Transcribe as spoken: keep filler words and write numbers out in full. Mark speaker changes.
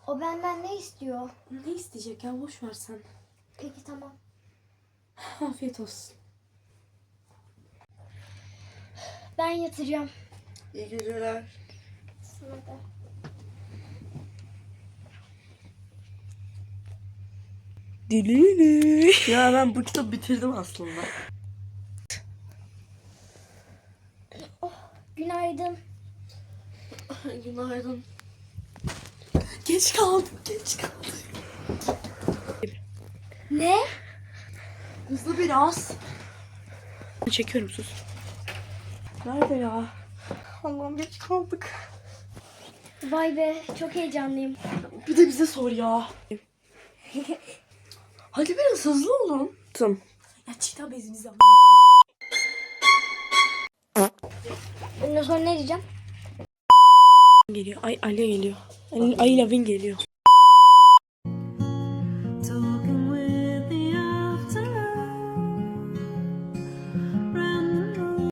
Speaker 1: O benden ne istiyor?
Speaker 2: Ne isteyecek ya, boş ver sen.
Speaker 1: Peki tamam.
Speaker 2: Afiyet olsun.
Speaker 1: Ben yatıracağım.
Speaker 2: İyi geceler.
Speaker 1: Sana da.
Speaker 2: Dilini. Ya ben bu kitabı bitirdim aslında.
Speaker 1: Günaydın.
Speaker 2: Günaydın. Geç kaldım, geç kaldım.
Speaker 1: Ne?
Speaker 2: Hızlı biraz. Çekiyorum, sus. Nerede ya? Allah'ım geç kaldık.
Speaker 1: Vay be, çok heyecanlıyım.
Speaker 2: Bir de bize sor ya. Hadi biraz hızlı olun. Tamam. Ya çita bezimizi ama.
Speaker 1: Ondan sonra ne diyeceğim?
Speaker 2: Geliyor. Ay Ali geliyor. Ali, Ali Lavin geliyor.